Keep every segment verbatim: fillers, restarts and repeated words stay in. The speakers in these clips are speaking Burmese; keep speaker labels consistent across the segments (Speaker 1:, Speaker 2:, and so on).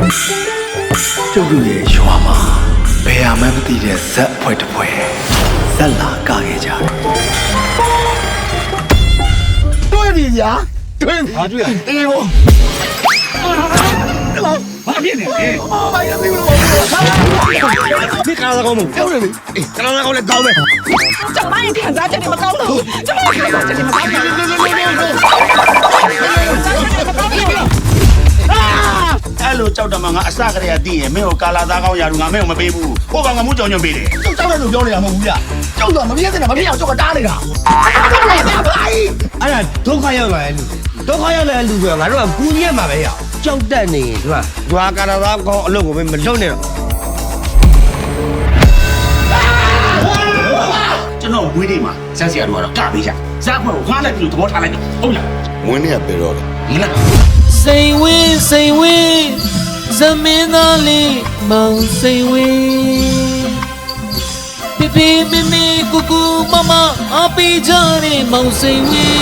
Speaker 1: ကျုပ်တို့ရဲ့ရွာမှာဘယ်မှမသိတဲ့ဇက်ဖွဲ့တစ်ဖွဲ့ဇက်လာကခဲ့ကြတယ်တွေ့ပြီညာတွေ့ပြီဟာတွေ့ရအေးဘောဘာဖြစ်နေလဲဘာရသေးလို့ဒီကားကောင်းမပြောနေလေအေးကားကောင်းလည်းကောင်းမယ်
Speaker 2: ကျမရဲ့ခံစားချက်တွေမကောင်းတော့ကျမရဲ့ခံစားချက်တွေမကောင်းဘူး
Speaker 3: အဲ့လိုကြောက်တယ်မှာငါအစကတည်းကသိရင်မင်းကိုကာလာသားကောင်းရာလူငါမင်းကိုမပေးဘူးဟိုကောင်ကမှုကြောင်ညွန့်ပေးတယ်
Speaker 1: ကျုပ်ကြောက်တယ်လို့ပြောနေတာမဟုတ်ဘူးဗျကျုပ်တော့မပြည့်စင်တာမပြည့်အောင်ကျုပ်ကတားနေတာ
Speaker 4: အဲ့ဒါဒုက္ခရောက်လာတဲ့လူဒုက္ခရောက်လာတဲ့လူကငါတို့ကကူညီရမှာပဲရကြောက်တတ်နေဒီမှာဒွာကာရာသားကောင်းအလုပ်ကိုမလုပ်နဲ့တော့
Speaker 3: ကျွန်တော်ဝေးနေမှာဇက်စီကတော့ကပေးကြဇက်ဖွဲ့ကိုငါလည်းပြီးတော့သဘောထားလိုက်တယ်ဟုတ်လား
Speaker 5: ဝင်းနေရပြေတော့လေ
Speaker 3: ဒီလား
Speaker 6: စိန်ဝင်းစိန်ဝင်းဇမင်းသားလေးမောင်စိန်ဝင်းပြပြမမကူကူမမအပီကြတဲ့မောင်စိန်ဝင်း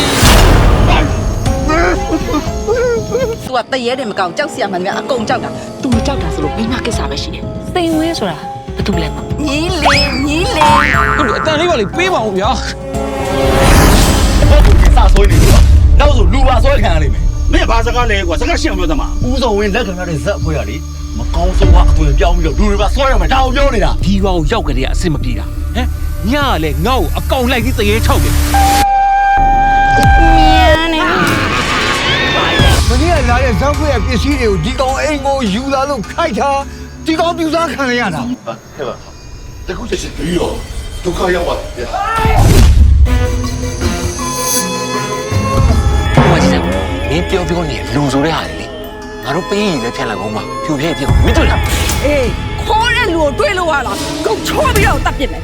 Speaker 2: သူကတရေတယ်မကောင်းကြောက်စရာမှန်များအကုန်ကြောက်တာသူမကြောက်တာဆိုလို့မိမကိစ္စပဲရှိတယ်စိန်ဝင်းဆိုတာဘာတူလဲညီလေးညီလေး
Speaker 6: ဟုတ်တယ်အတန်လေးပါလေပေးပါဦးဗျာ
Speaker 1: ဟုတ်ကဲ့စဆွေးနေပြီနောက်ဆိုလူပါဆွဲခံရလိမ့်မယ်
Speaker 3: မင်းဘာစကားလဲကွာစကားရှင်းအောင်ပြောသမား
Speaker 1: ဦးစောဝင်းလက်ခံရတဲ့ဇက်အဖွဲ့ရလေမကောင်းဆုံးကအသွင်ပြောင်းပြီးတော့လူတွေပါဆွဲရမယ်ဒါအောင်ပြောနေတာ
Speaker 6: ဒီကောင်ရောက်ကြတဲ့အဆင်မပြေတာဟမ်ညကလည်းငါ့ကိုအကောင်လိုက်ပြီးတရေချောက်တယ်
Speaker 2: မြန်နေ
Speaker 4: မင်းကလာတဲ့ဇောက်ခွေရဲ့ပစ္စည်းတွေကိုဒီကောင်အိမ်ကိုယူလာလို့ခိုက်တာဒီကောင်ပြူစားခံရတာ
Speaker 5: ဟဲ့ပါတခုချက်ချင်းပြီးတော့ဒုက္ခရောက်ပါဗျာ
Speaker 6: ဟိုကစမင်းပြောပြောနေလူဆိုတဲ့ဟာလေငါတို့ပေးရည်လည်းဖြတ်လိုက်အောင်မဖြူဖြဲ့ပြစ်မတွေ့လား
Speaker 2: အေးခေါ်တဲ့လူကိုတွေးလို့ရလားကုန်ချောပြီးတော့တတ်ပြစ်မယ်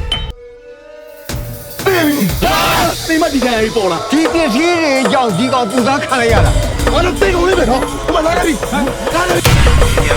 Speaker 1: သိမဒီကနေ့ပေါ်လာ
Speaker 4: ဒီပစ္စည်းတွေကြောင့်ဒီကောင်ပြူစားခံရတာ
Speaker 1: ဘာလို့သိကုန်လေးပဲနော်ဟိုမှာလာပြီလာပြီ